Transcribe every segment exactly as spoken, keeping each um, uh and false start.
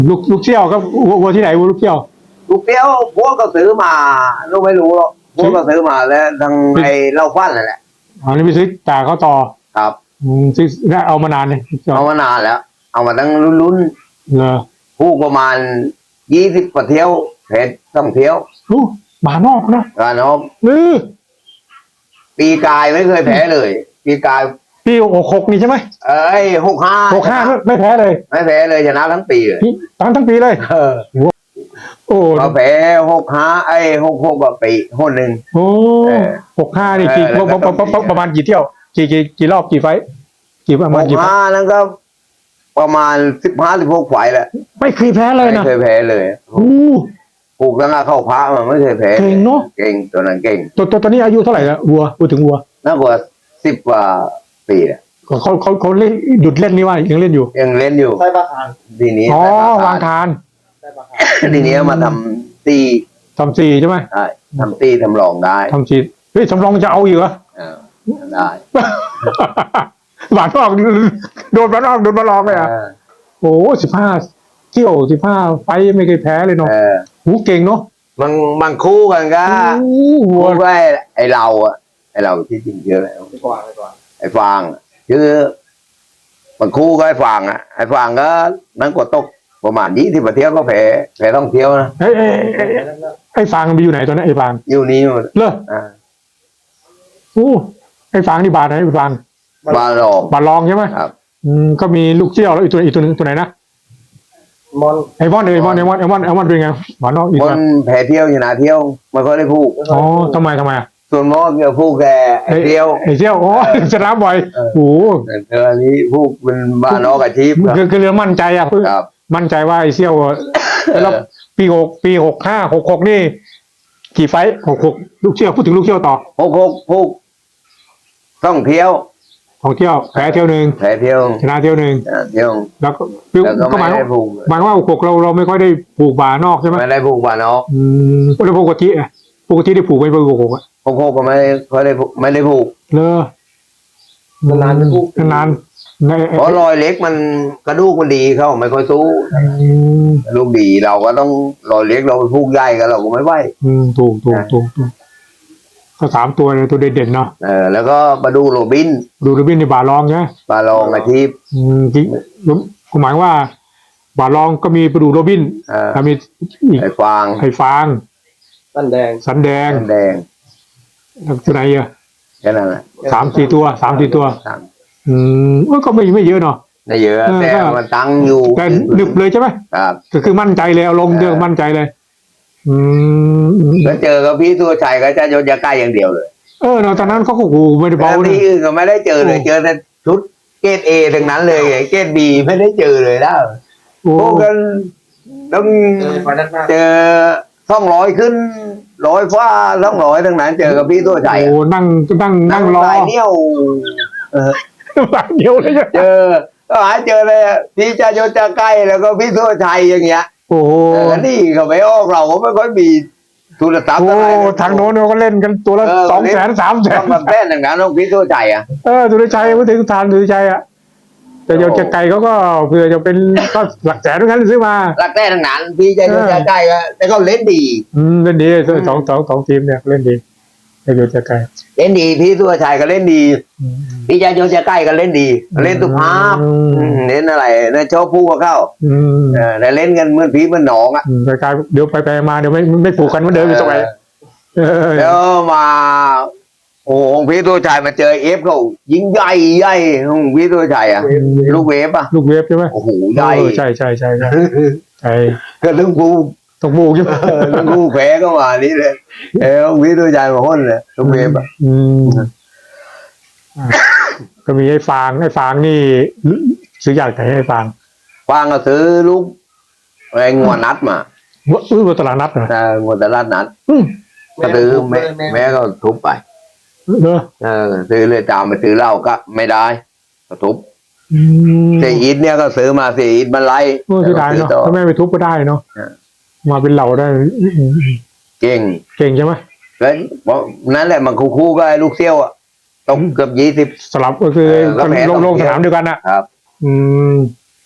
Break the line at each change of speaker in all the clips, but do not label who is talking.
ลูกลูกเชี่ยวครับวัววัวที่ไหนวัวลูกเชี่ยว
ลูกเปี้ยวพวกก็ซื้อมาลูกไม่รู้หรอกพวกก็ซื้อมาแล้วทางไอ้เล่าฟันนั่นแหละ
อ๋อนี่ไปซื้อจากเขาต่อ
ครับ
อืมซื้อแล้วเอามานานเลย
เอามานานแล้วเอามาตั้งรุ่น
ๆเหรอ
ผูกประมาณยี่สิบกว่าเที่ยวเพชรต้องเที่ยว
อู้บานอกนะ
กานอบ
เออ
ปีกายไม่เคยแพ้เลยปีกาย
ปีหกหกนี่ใช่ไหม
เอ้ยหกห้า
หกห้าไม่แพ้เลย
ไม่แพ้เลยชนะทั้งปีเลย
ทั้งทั้งปีเลย
เออโอ้เราแพ้หกห้าไอ้หกหกแบบปีคนหนึ่ง
โอ้หกห้านี่กี่ประมาณกี่เที่ยวกี่กี่กี่รอบกี่ไฟกี่ประมาณกี่
ห้านั้นก็ประมาณสิบห้าสิบหกไฟแหละ
ไม่เคยแพ้เลยนะ
ไม่เคยแพ้เลยโอ้ผูกตั้งแต่เข้าพระมันไม่เคยแพ้
เก่งเนาะ
เก่งตัวนั้นเก่ง
ตัวตัวตอนนี้อายุเท่าไหร่ละวัวพูดถึงวัว
น่ากว่าสิบกว่าปีอ่ะ
เขาเขาเขาเล่นหยุดเล่นนี่ว่ายังเล่นอยู่
ยังเล่นอยู่
ใช่ปะทาน
ทีนี้
อ๋อวางทาน
ทีนี้มาทำตี
ทำซีใช่ไหม
ใช่ทำตีทำรองได้
ทำซีเฮ้ยทำรองจะเอาอยู่เหรอ
ได้
หวานออกโดนหวานออกโดนมาลองเลยอ่ะโอ้สิบห้าเที่ยวสิบห้าไฟไม่เคยแพ้เลยเนาะหูเก่งเนาะ
บางบางคู่กันก็คู่ก็ไอเราอ่ะไอเราที่จริงเยอะแล้วไอฟางคือบางคู่ก็ไอฟางอ่ะไอฟางก็นั่งกดตกประมาณยี่สิบเที่ยวก็แพ้แพ้ต้องเที่ยวนะ
ไอไอไอฟางมันอยู่ไหนตอนนั้นไอฟาง
อยู่นี่หมด
เลอโอ้ไอฟางนี่บาทไหนไอฟาง
บาลอง
บาลองใช่ไหม
ครับ
อืมก็มีลูกเชี่ยวแล้วอีกตัวอีกตัวนึงตัวไหนนะ
มอน
ไอมอนไอมอนไอมอนไอมอนไอมอนเป็นไงหวานนอกอีก
คนแพ้เที่ยวอยู่นะเที่ยวมันก็ได้พูก
อ๋อทำไมทำไม
ส่วนมอเกี่ยวพูกแกไอเที่ยว
ไอเที่ยวโอ้ชนะบ่อยโอ้
แต่อันนี้พูกเป็นบ้านนอกอาชีพ
คือคือเรื่องมั่นใจอ่ะมั่นใจว่าไอเที่ยวแล้วปีหกปีหกห้าหกหกนี่กี่ไฟหกหกลูกเชี่ยวพูดถึงลูกเชี่ยวต่อ
หกหกพูกต้องเที่ยว
ของเที่ยวแพ้เที่ยวหนึ่ง
แพ้เที่ยว
ชนะเที่ยวหนึ่ง
เที่ยว
แล้วก็ก็หมายว่าหมายว่าหกเราเราไม่ค่อยได้ผูกบ่านอกใช่ไหม
ไม่ได้ผูกบ่านอก
อืมแล้วปกติอ่ะปกติได้ผูกไว้ปกหกอ่ะ
หกหกก็ไม่ค่อยได้ไม่ได้ผูก
เลย
นานๆผูก
นาน
เพราะรอยเล็กมันกระดูกมันดีเขาไม่ค่อยสู้กระดูกดีเราก็ต้องรอยเล็กเราไปผูกใหญ่กันเราก็ไม่ไหว
อืมถูกถูกถูกถูกก็สามตัวเลยตัวเด่นๆเนาะ
เออแล้วก็มาดูโรบิน
ดูโรบินในบาลองใช่ไหม
บาลองอาชีพ
อืมจริงผมหมายว่าบาลองก็มีประดูโรบิน
อ่า
มี
ไอ้ฟาง
ไอ้ฟาง
สันแดง
สันแดง
สันแดง
ตัวไหนอ่ะ
แค่นั้นแหละ
สามสี่ตัวสามสี่ตัวอืมก็ไม่ไม่เยอะเนาะ
ไม่เยอะแต่มันตั้งอยู่
แต่หนึบเลยใช่ไหม
ครับ
ก็คือมั่นใจเลยเอาลงเดือมั่นใจเลยอืม
แล้วเจอกับพี่ตัวชัยก็จะโยนยาใกล้อย่างเดียวเลย
เออตอนนั้นเขาก็โอ้ไม่ได้เบา
ที่อื่นก็ไม่ได้เจอเลยเจอแต่ชุดเกรดเอทั้งนั้นเลยเกรดบีไม่ได้เจอเลยแล้วพวกกันต้องเจอสองร้อยขึ้นร้อยฟ้าสองร้อยทั้งนั้นเจอกับพี่ตัวชัย
โอ้นั่งนั่งนั่งรอ
เนี้ยว
เออหลายเดียวเลย
เจอก็หาเจอเลยพี่จะโยนจะใกล้แล้วก็พี่ตัวชัยอย่างเงี้ย
โอ้โห
นี่เขาไม่ออกเราก็ไม่ค่อยมีทุนทรัพย์อะไร
ทางโน้นเขาเล่นกันตัวละสองแสนสามแสน
ต้องมาแป้นอย่างนั้นต้องพี่ตัวใจอ่ะ
เออตัวใจไม่ถึงทานตัวใจอ่ะแต่โยนจะไกลเขาก็เผื่อจะเป็นก็หลักแสนด้วยกันซื้อมา
หลักแสนทั้งนั้นพี่จะโยนจะใกล้ก็แต่เขาเล่นดี
อืมเล่นดีสองสองสองทีมเนี่ยเล่นดีโยนจะไกล
เล่นดีพี่ตัวชัยก็เล่นดีพี่จะโยนจะใกล้ก็เล่นดีเล่นตุภาพเล่นอะไรนะชอบพูดกับเขาแต่เล่นกันเหมือนพี่เหมือนหนองอ่ะ
กลายเดี๋ยวไปไปมาเดี๋ยวไม่ไม่ผูกกันเหมือนเดิมอีกสักไป
แล้วมาโอ้โหพี่ตัวชัยมาเจอเอฟเขายิงใหญ่ใหญ่ของพี่ตัวชัยอ่ะลูกเวฟอ่ะ
ลูกเวฟใช่ไหม
โอ้โหใหญ่
ใช่ใช่ใช่ใช่ใช่
ก็ต้องพู
ต้องผูกใช่ไหม
ต้องพูแพ้ก็มานี่เลยเออพี่ตัวชัยมาห้นเลยลูกเวฟอ่ะ
ก็มีไอ้ฟางไอ้ฟางนี่ซื้ออยากไหนไอ้ฟาง
ฟางก็ซื้อลูกไอ้งวดนัดมา
ซื้อมาตลาดนัดเหรอ
ใช่งวดตลาดนัดก็ซื้อแม่แม่ก็ทุบไป
เออ
เออซื้อเลยตามไปซื้อเหล้าก็ไม่ได้ก็ทุบเสียอีทเนี่ยก็ซื้อมาเสียอีทมันไล่
ไม่ได้เนาะถ้าแม่ไปทุบก็ได้เนาะมาเป็นเหล่าได้
เก่ง
เก่งใช่ไหม
แล้วนั่นแหละมันคู่ๆก็ไอ้ลูกเซี่ยวอ่ะตกเกือบยี่สิบ
สลับก็คือลงลงสนามเดียวกันอ่ะ
ครับ
อืม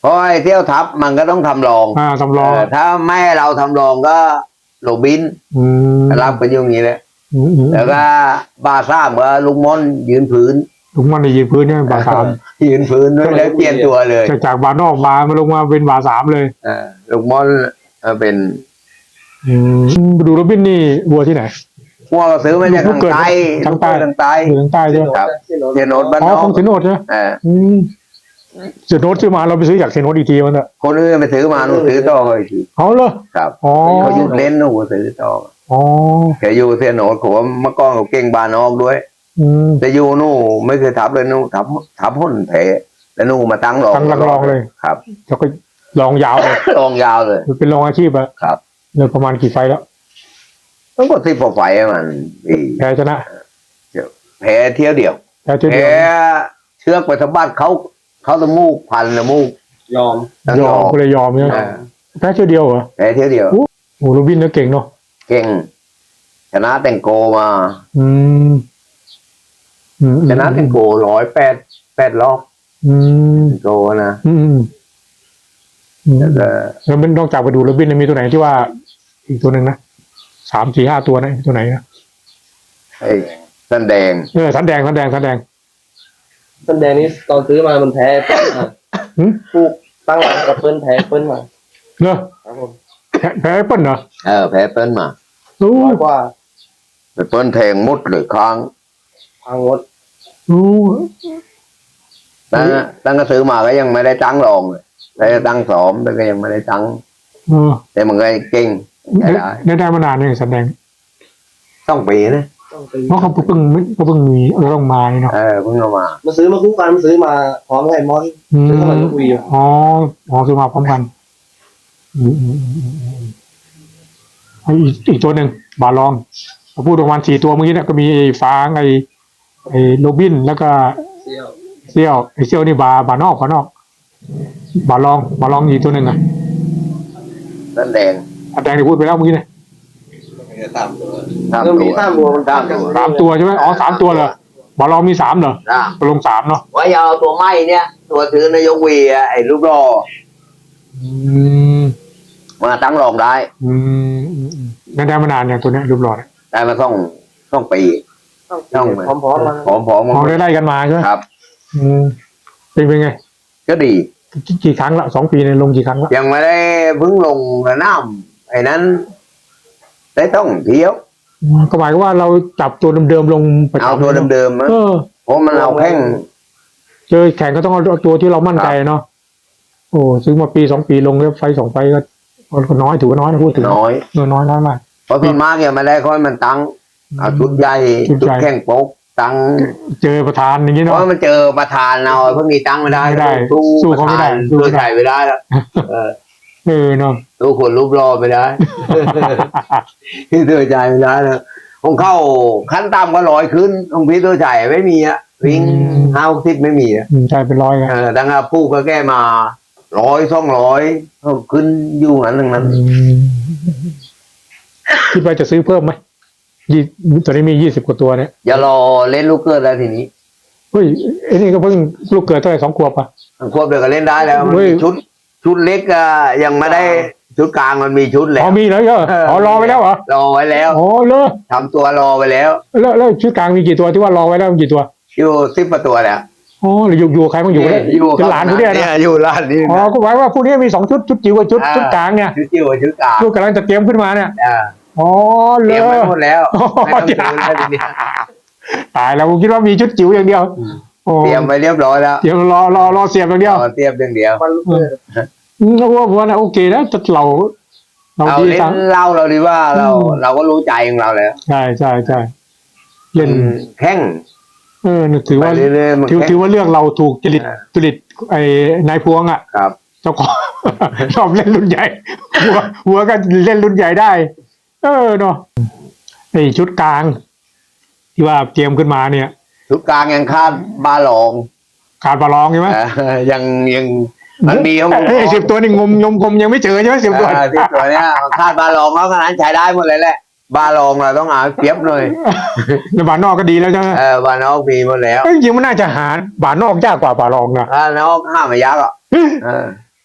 เพราะไอ้เที่ยวทับมันก็ต้องทำรอง
อ่าสำรอง
เออถ้าไม่ให้เราทำรองก็โรบิน
อืม
รับกันอยู่อย่างนี้แหละ
อืมอืม
แล้วก็บาซ่ามก็ลุงม่อนยืนพื้น
ลุงมันในยืนพื้นเนี่ยบาสาม
ยืนพื้นด้วยแล้วเปลี่ยนตัวเลย
จากจากบานอกมามาลงมาเป็นบาสามเลย
เออลุงม่อนเออเป็น
อืมดูโรบินนี่วัวที่ไหน
พวกซื้อมาจากทางใต้
ทางใต้
ทางใต้
อยู่ทางใต้ใช่ไหม
ครับ
ที่โน้ต
เทียนโนดบ้าน
อ๋อน
อ
ข
ก
องเซโนดใช่ไหม
เออ
อืมเซโนดซื้อมาเราไปซื้อจากเซโนดอีกทีมันอะ
คนอื่นไปซื้อมาหนูซื้อต่อเขาอีกที
เอาเลย
ครับ
อ๋อ
เขาหยุดเล่นหนูซื้อต่อ
อ๋อ
แกอยู่เทียนโนดผมเมื่อก่อนเขาเก่งบานนอกด้วย
อืม
แต่อยู่หนูไม่เคยทับเลยหนูทับทับหุ่นแผลแล้วหนูมาตั้งรอง
ตั้งหลักรองเลย
ครับ
แล้วก็ลองยาวเลย
รองยาวเลย
เป็นรองอาชีพอะ
ครับ
เลยประมาณกี่ไฟแล้ว
ต้องกดสิบกว่าไฟอะมันดี
แพ้ชนะ
แพ้เที่ยวเดียว
แพ้เจอ
แพ้
เดียว
เชือกไปสะบัดเขาเขาตะมูกพันตะมูก
ยอม
ทั้ง
ย
ย
อ
อ
ม
ม
ก็เลยยอมเนี่ย
อ่า
แพ้เจอเดียวเหรอ
แพ้เที่ยวเดียว
โอ้โหโรบินเนี่ยเก่งเนาะ
เก่ง ชนะแตงโกมา
อืมอืม
ชนะแตงโกร้อยแปดแปดรอบ
อืม
แตงโกนะ
อืมอืมอืม
แล้วก็
แล้วมันนอกจากไปดูโรบินเนี่ยมีตัวไหนที่ว่า อีกตัวหนึ่งนะสามสี่ห้าตัวนะตัวไหนนะ
ไอ้สันแดง
เออสันแดงสันแดงสันแดง
ต้นแดงนี้ตอนซื้อมามันแพ้เปิ้ลมา
หืม
ผูกตั้งหลังกับเปิ้ลแพ้เปิ้ลมา
เนอะ
ครับผม
แพ้แพ้เปิ้ลเหรอ
เออแพ้เปิ้ลมา
โอ้
ร้อยกว่า
ไปเปิ้ลแทงมุดหรือค้าง
พังงด
โอ้
ตั้งตั้งก็ซื้อมาก็ยังไม่ได้ตั้งรองเลยได้ตั้งสอมแต่ก็ยังไม่ได้ตั้ง
เออ
แต่มันก็เก่งใช้
ได้
ได้
ได้ได้มานานเนี่ยสันแดง
ต้องปีนะ
ต้องซื้อ
เพราะเขาเพิ่งเขาเพิ่งมีเราต้องมาเนาะ
เออเพิ่งเอามา
มาซื้อมาคู่กันมาซื้อมาพร้อมกับไอ้มอน
อืม
ซื้อเข้ามาคุยอยู่
อ๋ออ๋อซื้อมาพร้อมกันอืมอืมอืมอืมไอ้อีกอีกตัวหนึ่งบาลองเราพูดประมาณสี่ตัวเมื่อกี้เนี่ยก็มีไอ้ฟางไอ้ไอ้โรบินแล้วก็
เซี่ยว
เซี่ยวไอ้เซี่ยวนี่บาบานอกบานอก บาลองบาลองอีกตัวหนึ่งอ่ะ
สันแดง
อันแดงที่พูดไปแล้วเมื่อกี้เนี่ย
สามตัว
สาม
เริ่ม
ตั
มี
ว
สามตัวมัน
สามตัว
สามตัวใช่ไหมอ๋อสามตัวเหรอบาลองมีสามเหรอ
นะ
ลงสามเนาะ
ว่าอย่าเอาตัวไม้เนี่ย ตัวถือนายกวีอะไอ้รูปรอ
อืม
มาตั้งรองได้
อืมอืมอืมงั้นได้มานานอย่างตัวเนี้ยรูปหล่อเนี่ย
ได้มาต้องต้องปี
ต้องพร้อมๆมัน
ผอมผอม
อ๋อได้ไล่กันมาใช่ไหม
ครับ
อืมเป็นเป็นไง
ก็ดี
กี่กี่ครั้งละสองปีในยลงกี่ครั้งละ
ยังไม่ได้เพิ่งลงกับน้ำไอ้นั้น ได้ต้องเที่ยว
อืมก็หมายความว่าเราจับตัวเดิมๆลงประจำ
เอาตัวเดิมๆนะ
เออ
เพราะมันเอาแข้ง
เจอแข่งก็ต้องเอาตัวที่เรามั่นใจเนาะโอ้ซื้อมาปีสองปีลงแล้วไฟสองไฟก็ก็น้อยถือว่าน้อยนะพูดถึง
น้อย
เออน้อยน้อยมาก
เพราะส่วนมากยังไม่ได้ค่อยมันตั้งเอาชุดใหญ่
ชุด
ชุ
ให
ด
ญ่
แข้งโป๊กตั้ง
เจอประธานอย่างนี้
เพ
เนาะ
ราะมันเจอประธานเอาเพิ่งนี้ตั้งไม่ได้
ไม่ได้
สู้
สู้เขาไม่ได้สู้
สู้
ไม่ได้
ใส่ไม่ได้แล้วเออ
เออเนาะ
สู้คนรูปรอไม่ได้ พี่ตัวใจไม่ได้แล้วของเข้าขั้นต่ำก็ร้อยขึ้นของพี่ตัวใจไม่มีอะวิ่งห้าสิบไม่มีอะ
อืมใช่เป็นร้อยอะ
เออดังนั้นผู้ก็แก้มาร้อยสองร้อยขึ้นอยู่นั้นทั้งนั้น
อืมคิดว่าจะซื้อเพิ่มไหมยี่ตอนนี้มียี่สิบกว่าตัวเนี่ย
อย่ารอเล่นลูกเกิดแล้วทีนี้
เฮ้ยไอ้นี่ก็เพิ่งลูกเกิดเท่าไหร่สองขวบอ่ะ
ควบเดียวก็เล่นได้แล้วมัน
เฮ้ย
มีชุด ชุดเล็กอะยังไม่ได้ชุดกลางมันมีชุดแล้
อ๋
ว
อมีแล้วเหรออ๋อรอไว้แล้วเหรอ
รอไว้แล้ว
อ๋อเลย
ทำตัวรอไว้แล้ว
แล้วแล้วชุดกลางมีกี่ตัวที่ว่ารอไว้แล้วมีกี่ตัว
อยู่สิบประตัวแล้ว
อ๋อหรืออยู่อยู่ใครมันอยู่ได้
อยู่
เป็นหลานเขาเนี่ย
เนี่
นะ
ยอยู่ร้านนี้
อ๋อก็หมายว่าพวกนี้มีสองชุดชุดจิ๋วกับชุด
อ่า
ชุดกลางเนี่ย
ชุดจิ๋วกับชุดกลาง
ชุดกำลังจะเตรียมขึ้นมาเนี่ย
อ่า
อ๋อ
เต
เล
รี
ย
ยมไว้หมดแล้ว
อ๋อ
ไม่ต้องซื้อแล้วทีนี้
ตายแล้วผมคิดว่ามีชุดจิ๋วอย่างเดียวโอ้
เตรียมไว้เรียบร้อยแล้ว
เดี๋ยวรอรอรอเสียบอย่างเดียว
เอาเตรียมอย่างเดียว
มันลูกเกิด
อืมก็ว่าว่านะโอเคนะแต่เราเรา
เอา
ดี
เล่
ทั้ง
นเล่าเราดีว่าเรา
อืม
เราก็รู้ใจของเราแล้ว
ใช่ใช่ใช่เล่น
แข้ง
เออถือ
ไป
ว่า
เรื่อยๆมัน
ถือ
แข้ง
ถือว่าเรื่องเราถูกจริต
อ่า
จริตไอ้นายพวงอ่ะ
ครับ
เจ้าของ ชอบเล่นรุ่นใหญ่หัวหัวก็เล่นรุ่นใหญ่ได้ เออเนาะไอ้ชุดกลาง ที่ว่าเตรียมขึ้นมาเนี่ย
ชุดกลางยังคาดบาหลอง
ขาดบาลองใช่ไหม
เออยังยังมันมีของ
ไอ้สิบตัวนี่งมงมงมยังไม่เจอใช่ไหมสิบตัว
เออที่ตัวเนี้ยคาดบาหลองแล้วขนาดนั้นใช้ได้หมดเลยแหละบาหลองเราต้องเอาเปรียบหน่อย
ในบานนอกก็ดีแล้วใช่ไหม
เออบานอกมีหมดแล้ว
เอ้ยจริงๆมันน่าจะหาบานนอกยากกว่าบาลองนะ
บานอกห้ามไม่ยักษ์อ่ะเออ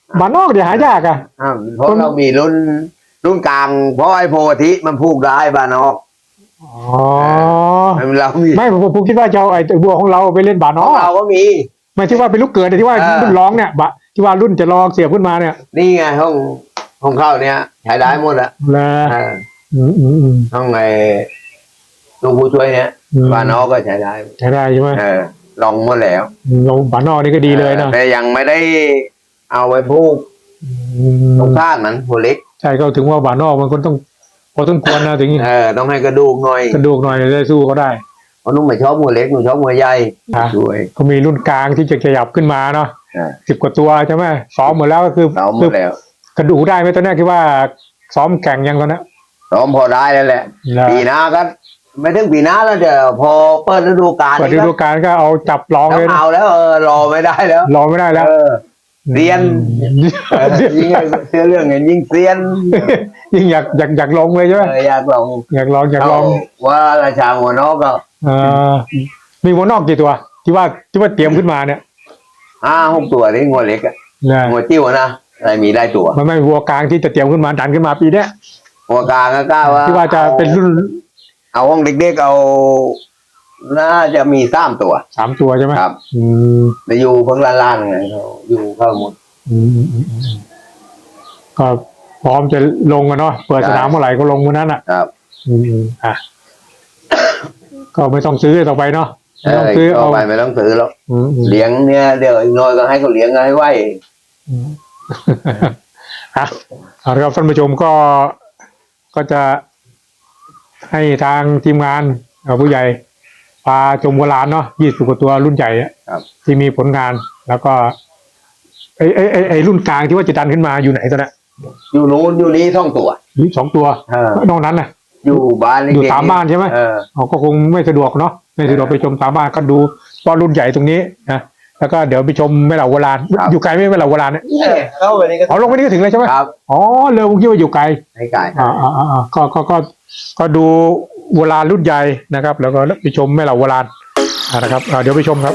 บานนอกเดี๋ยวหายากอ่ะ
อ่าเพราะเรามีรุ่นรุ่นกลาง เพราะไอ้โพธิมันพูกได้บ้านนอก
อ๋อ
เรามี
ไม่ผมผมคิดว่าจะเอาไอ้ตัวบัวของเราไปเล่นบานน
ข
อ
อง
ก
เราก็มี
ไม่ใช่ว่าเป็นลูกเกิดแต่ที่ว่า
เออ
รุ่นร้องเนี่ยบะที่ว่ารุ่นจะลองเสียบขึ้นมาเนี่ย
นี่ไงห้องห้องเข้าเนี้ยใช้ได้หมดอะ
นะ
อ่า
อืมอืมอืม
ห้องไอ้ลูกผู้ช่วยเนี้ย
อืม
บ้านนอกก็ใช้ได้
ใช้ได้ใช่ไหม
เออลองหมดแล้ว
อืมเราบานนอกนี่ก็ดีเลยนะ
แต่ยังไม่ได้เอาไว้พูก
อืม
ตรงข้างมันหัวเล็ก
ใช่ก็ถึงว่าบานนอกมันก็ต้องพอต้องควรนะถึง
เออต้องให้กระดูกหน่อย
กระดูกหน่อยได้สู้เขาได้
เพราะนุ่มไม่ชอบหัวเล็กหนูชอบหัวใหญ่
อ่ะ
ช่วย
เขามีรุ่นกลางที่จะขยับขึ้นมาเนาะ
อ่า
สิบกว่าตัวใช่ไหมซ้อมหมดแล้วก็คือ
ซ้อมหม
คือ
ดแล้ว
กระดูกได้ไหมตอนนี้คิดว่าซ้อมแข่งยังตอนนี้
ซ้อมพอได้แล้วแหละ
นะ
ปีหน้าก็ไม่ถึงปีหน้าแล้วเดี๋ยวพอเปิดฤดูกาล
เปิดฤดูกาลก็เอาจับลอง
ต้อ
เลย
ง
นะ
เอาแล้วเออรอไม่ได้แล้ว
รอไม่ได้แล้ว
เออ เรียน เออยิ่งเชื่อเรื่องเงินยิ่งเซียน
ยิ่งอยากอยากอยากลงเลยใช่ไหม
เอออยากลอง
อยากลองอยากลอง
ว่าราชาหัวนอกก็
เออมีหัวนอกกี่ตัว ที่ว่าที่ว่าเตรียมขึ้นมาเนี่ย
ห้าหกตัวนี่งัวเล็กอะ
นะ
งัวจิ้วนะอะไรมีได้ตัว
มันไม่หัวกลางที่จะเตรียมขึ้นมาดันขึ้นมาปีเนี้ย
หัวกลางก็กล้าว่า
ที่ว่าจะเป็นรุ่น
เอาห้องเด็กๆเอาน่าจะมีสามตัว
สามตัวใช่ไหม
ครับ
อืม
แต่อยู่เพิ่งล้านๆไงเขาอยู่เข้าหมด
อืมอืมอืมอืมก็พร้อมจะลงกันเนาะเปิดสนามเมื่อไหร่ก็ลงเมื่อนั้นอ่ะ
ครับ
อืมอืมอ่ะ ก็ไม่ต้องซื้อต่อไปเนาะ
เอ
ไม่ต้อง
อ
ซื้อ
ต่
เอา
อไปไม่ต้องซื้อแล้ว
อืมอืม
เลี้ยงเนี่ยเดี๋ยวอีกหน้อยก็ให้เขาเลี้ยงให้ไหว
อืม อ่ะเอาละครับท่านผู้ชมก็ก็จะให้ทางทีมงานเอ่อผู้ใหญ่พาชมโบราณเนาะยี่สิบกว่าตัวรุ่นใหญ่อะ
ครับ
ที่มีผลงาน แล้วก็ไอ้ไอ้ไอ้ไอ้รุ่นกลางที่ว่าจะดันขึ้นมาอยู่ไหนตอนนี้
อยู่นู้นอยู่นี้ท่องตัว
มีสองตัว
เออน
อกนั้นน่ะ
อยู่บ้านเล็กๆ
อยู่ตามบ้านใช่ไหม
เออ
เขาก็คงไม่สะดวกเนาะไม่สะดวกไปชมตามบ้านก็ดูตอนรุ่นใหญ่ตรงนี้นะแล้วก็เดี๋ยวไปชมแม่เหล่าโบราณอยู่ไกลไหมแม่เหล่าโบราณเนี่ย
เข้าไปนี่ก็
เอาลงไปนี่ก็ถึงเลยใช่ไหม
ครับ
อ๋อเลยผมคิดว่าอยู่ไกล
ให้กาย
อ่าอ่าอ่าก็ก็ก็ก็ดูโบราณรุ่นใหญ่นะครับ แล้วก็ไปชมแม่เหล่าโบราณอ่านะครับอ่าเดี๋ยวไปชมครับ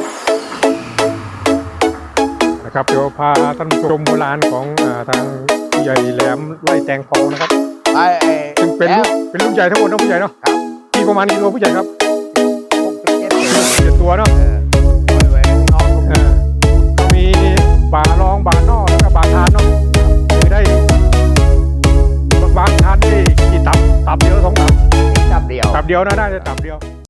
นะครับเดี๋ยวพาท่านผู้ชมโบราณของอ่าทางผู้ใหญ่แหลมไร่แตงทองนะครับ
ไอ้ไอ้
ซึ่งเป็น
แล้
รุ่
วน
เป็นรุ่นใหญ่ทั้งหมดนะผู้ใหญ่เนาะ
ครับ
มีประมาณกี่ตัวผู้ใหญ่ครับ
หกสิบเจ็ดตัว
เจ็ดตัวเนาะ
เออปล่อยไว้ข้างนอก
อ่าก็มีบารองบานอกแล้วก็บาทานเนาะคือได้บางทานได้กี่ตับตับเดียวสองตับ
จับเดียว
ตับเดียวนะได้แต่ตับเดียว